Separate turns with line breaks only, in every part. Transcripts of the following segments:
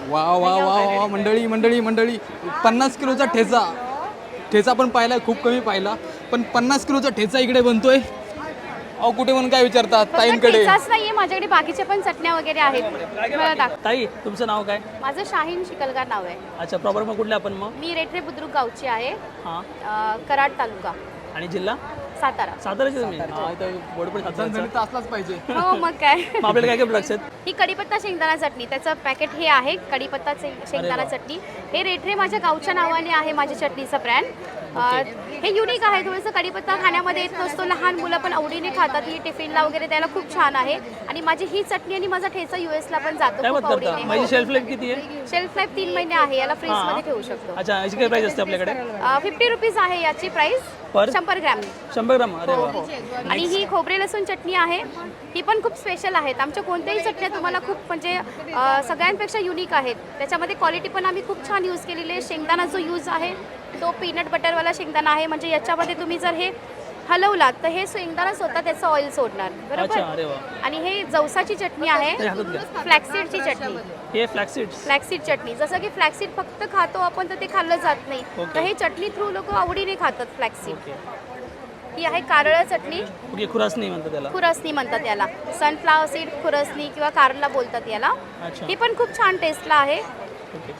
वा वा वा वा मंडळी मंडळी मंडळी 50 किलोचा ठेचा. ठेचा पण पाहिला, खूप कमी पाहिला, पण 50 किलोचा ठेचा इकडे बनतोय. अहो कुठे म्हणून काय विचारतात ताईंकडे.
ठेचाच नाहीये, माझ्याकडे बाकीच्या पण चटण्या वगैरे आहेत. मला दाख.
ताई तुमचं नाव काय?
माझं शाहीन शिकलगार नाव आहे.
अच्छा, प्रॉपर मग कुठले आपण मग?
मी रेठरे बुद्रुक गावची आहे.
हां.
कराड तालुका,
आणि जिल्हा?
सातारा.
साताराचे तुम्ही? हां, इथं बोर्ड पण साताराचं.
झणझणीत तर असलाच पाहिजे.
हो मग काय.
मग आपल्याला काय काय प्रोडक्ट्स आहेत?
ही कढीपत्ता शेंगदाणा चटणी, त्याचं पॅकेट हे आहे. कढीपत्ता शेंगदाणा चटणी हे रेठरे माझ्या गावच्या नावाने आहे, माझ्या चटणीचं ब्रँड. हे युनिक आहे थोडंसं. कढीपत्ता खाण्यामध्ये येत नसतो, लहान मुलं पण आवडीने खातात. ही टिफिनला वगैरे द्यायला खूप छान आहे. आणि माझी ही चटणी आणि माझा ठेचा युएसला पण जातो
काय
खूप
बात करता?
आवडीने.
माझी शेल्फ लाईफ किती आहे?
शेल्फ लाईफ 3 महिने आहे. याला फ्रीजमध्ये ठेवू शकतो.
अच्छा, याची काय प्राइस असते आपल्याकडे?
50 रुपीज आहे याची प्राइस.
पर
100 ग्रॅम.
100 ग्राम? अरे वा.
आणि ही खोबरे लसूण चटणी आहे. ही पण खूप स्पेशल आहेत. आमच्या कोणत्याही चटण्या तुम्हाला खूप म्हणजे सगळ्यांपेक्षा युनिक आहेत. त्याच्यामध्ये क्वालिटी पण आम्ही खूप छान यूज केलेली आहे. शेंगदाणा जो यूज आहे तो पीनट बटरवाला शेंगदाणा आहे. म्हणजे याच्यामध्ये तुम्ही जर हे हलवलात तर हे शेंगदाणा स्वतः त्याचं ऑइल सोडणार.
अच्छा,
बरोबर.
अरे वा.
आणि हे जवसाची चटणी आहे. फ्लॅक्सीडची चटणी.
हे फ्लॅक्सीड्स?
फ्लॅक्सीड चटणी. जसं की फ्लॅक्सीड फक्त खातो आपण तर ते खाल्लं जात नाही. तर हे चटणी थ्रू लोक आवडीने खातात फ्लॅक्सीड. ही आहे कारळा चटणी.
ओके, खुरासनी म्हणतात त्याला?
खुरसणी म्हणतात याला. सनफ्लावर सीड खुरसणी किंवा कारला बोलतात याला.
अच्छा.
ही पण खूप छान टेस्टला आहे.
ओके.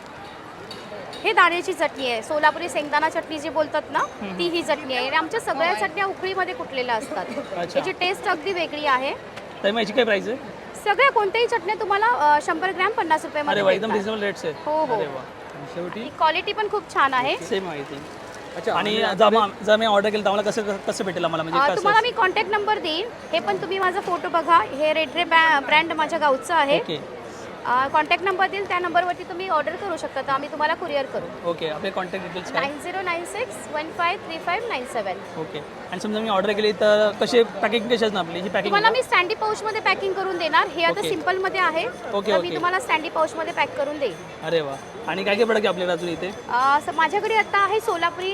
हे दाण्याची चटणी आहे. सोलापुरी शेंगदाणा चटणी जी बोलतात ना ती ही चटणी आहे. आणि आमच्या सगळ्या चटण्या उकळीमध्ये कुटलेल्या असतात.
अच्छा.
याची टेस्ट अगदी वेगळी आहे.
ताई मग याची काय प्राइस आहे?
सगळ्या कोणत्याही चटण्या तुम्हाला 100 ग्रॅम 50
अरे
रुपयामध्ये
वा, एकदम
भेटतात.
रिजनेबल रेट्स आहे.
हो, हो.
अरे वा.
शेवटी
क्वालिटी पण खूप छान आहे.
सेम माहिती.
अच्छा.
आणि जर मी ऑर्डर केलं तर आम्हाला कसं कसं भेटेल आम्हाला, म्हणजे
तुम्हाला
कसं?
मी कॉन्टॅक्ट नंबर देईन. हे पण तुम्ही माझा फोटो बघा. हे रेडरे ब्रँड माझ्या गावचं आहे.
ओके
कॉन्टॅक्ट नंबर देईल त्या नंबरवरती तुम्ही ऑर्डर करू शकता. तर आम्ही तुम्हाला कुरिअर करू.
ओके. आपले कॉन्टॅक्ट डिटेल्स काय?
9096153597.
ओके. आणि समजा मी ऑर्डर केली तर कसे पॅकिंग कशी असणार आपली? ही पॅकिंग
तुम्हाला मी स्टँडी पाऊचमध्ये पॅकिंग करून देणार. हे आता
ओके.
सिम्पलमध्ये आहे.
ओके,
तर मी
ओके.
तुम्हाला स्टँडी पाऊचमध्ये पॅक करून देईन.
अरे वा. आणि काय काय प्रोडक्ट आहे आपल्याला अजून इथे?
माझ्याकडे आता आहे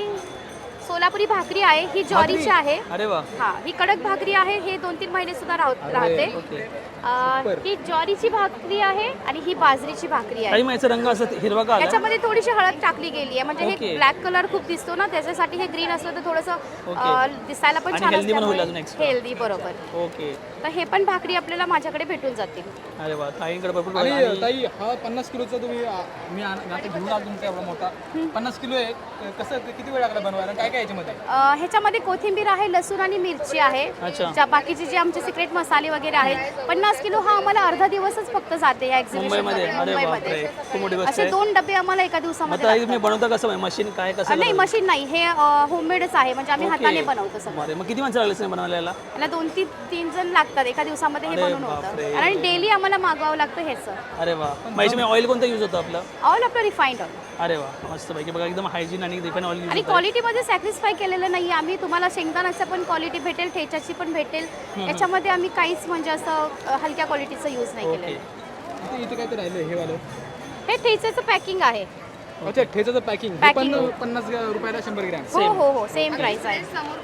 सोलापुरी भाकरी आहे. ही ज्वारीची आहे.
अरे वा.
हा, ही कडक भाकरी आहे. हे 2-3 महिने सुद्धा राहते.
ओके.
ही ज्वारीची भाकरी आहे आणि ही बाजरीची भाकरी आहे.
ताई मग याचा रंग असं हिरवा का आला?
याच्यामध्ये थोडीशी हळद टाकली गेली आहे. म्हणजे
ओके.
हे ब्लॅक कलर खूप दिसतो ना, त्याच्यासाठी हे ग्रीन असलं तर थोडंसं
ओके.
दिसायला पण
आणि
छान
healthy पण होईल अजून
असल्यामुळे
extra.
हेल्दी. बरोबर.
ओके.
तर हे पण भाकरी आपल्याला माझ्याकडे भेटून जातील.
अरे वा. ताईंकडे भरपूर
आणि
product आणि-
ताई हा 50 किलोचा तुम्ही मी आता घेऊन आलो तुमचा एवढा मोठा 50 किलो आहे. कसं किती वेळ लागला बनवायला? काय काय याच्यामध्ये?
ह्याच्यामध्ये कोथिंबीर आहे, लसूण आणि मिरची आहे.
अच्छा.
ज्या बाकीचे जे आमचे सिक्रेट मसाले वगैरे आहेत. 50 किलो हा आम्हाला अर्धा दिवसच फक्त जाते या
मुंबईमध्ये? अरे बापरे, खूप मोठी गोष्ट
असे
आहे.
2 डबे आम्हाला एका
मग
दिवसामध्ये
ताई
लागतात.
तुम्ही बनवता कसं? मशीन काय कसं?
नाही, मशीन नाही. हे होममेडच आहे. म्हणजे आम्ही
ओके.
हाताने बनवतो सगळं.
अरे मग किती माणसं लागले बनवायला याला?
याला 2-3 जण लागतात एका दिवसामध्ये हे
अरे
बनवून
बापरे.
होतं. आणि डेली आम्हाला मागवावं लागतं ह्याचं.
अरे वा. मग याच्यामध्ये ऑइल कोणतं यूज होतं आपलं?
ऑल आपलं रिफाईंड ऑइल.
अरे वा, मस्त पैकी. बघा एकदम हायजीन आणि रिफाईन ऑइल यूज
आणि
होतं.
क्वालिटीमध्ये सॅटिस्फाय केलेलं नाही. आम्ही तुम्हाला शेंगदाण्याचं पण क्वालिटी भेटेल, ठेच्याची पण भेटेल. याच्यामध्ये आम्ही काहीच म्हणजे असं हलक्या क्वालिटीचं यूज नाही
ओके.
केलेलं.
इथे काय ते राहिलं हे वालं?
हे ठेच्याचं पॅकिंग आहे.
अच्छा, ठेचाचं पॅकिंग पण
Packing.
50 रुपयाला 100 ग्रॅम.
हो, सेम प्राइस आहे.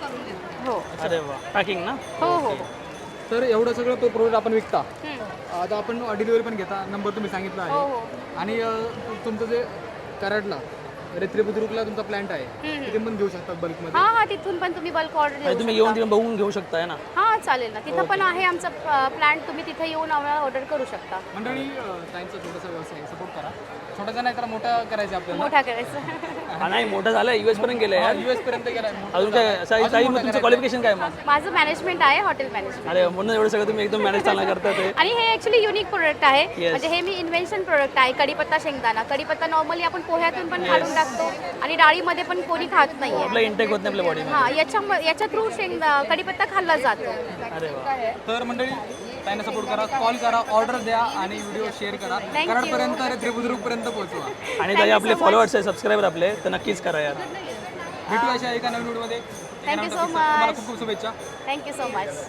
हो
अरे वा. पॅकिंग ना?
हो.
तर एवढं सगळं प्रोडक्ट आपण विकता.
हम्म.
आता आपण डिलिव्हरी पण घेता. नंबर तुम्ही सांगितला
हो.
आहे. आणि तुमचं जे कराडला रेत्रे बुद्रुकला तुमचा प्लांट आहे तिथे पण घेऊ शकतात बल्कमध्ये.
हा, तिथून पण तुम्ही बल्क ऑर्डर
आणि
देऊ
तुम्ही येऊन
शकता.
तिथे बघून घेऊ शकताय ना?
हा, चालेल ना. तिथं पण आहे आमचा प्लांट. तुम्ही तिथे येऊन आम्हाला ऑर्डर करू शकता.
मंडळी ताईंचा छोटासा व्यवसाय सपोर्ट करा. छोटासा नाही तर मोठा करायचा आपल्याला.
मोठा करायचं.
हा, नाही मोठं झालं. US पर्यंत गेलं यार.
US पर्यंत गेलाय.
अजून काय ताई मग तुमचं क्वालिफिकेशन काय मग?
माझं मॅनेजमेंट आहे, हॉटेल मॅनेजमेंट.
अरे म्हणून एवढं सगळं तुम्ही एकदम मॅनेज चांगला करता ते.
आणि हे ऍक्च्युली युनिक प्रोडक्ट आहे.
Yes.
म्हणजे हे मी इन्व्हेन्शन प्रोडक्ट आहे. कढीपत्ता शेंगदाणा. कढीपत्ता नॉर्मली आपण पोह्यातून पण घालून टाकतो आणि डाळीमध्ये पण कोणी खात नाहीये.
आपला इंटेक होत नाही आपल्या बॉडीमध्ये.
हा, याच्या थ्रू कढीपत्ता खाल्ला जातो.
अरे वा.
तर मंडळी ताईंना सपोर्ट करा, कॉल करा, ऑर्डर द्या आणि व्हिडिओ शेअर करा.
you.
कराडपर्यंत रेत्रे बुद्रुकपर्यंत पोहोचवा.
आणि ताई आपले फॉलोअर्स आहे, सबस्क्रायबर आपले, तर नक्कीच करा यार.
भेटू अशा एका नवीन व्हिडिओमध्ये.
थँक्यू सो
तुम्हाला
मच.
खूप खूप शुभेच्छा.
Thank you so much.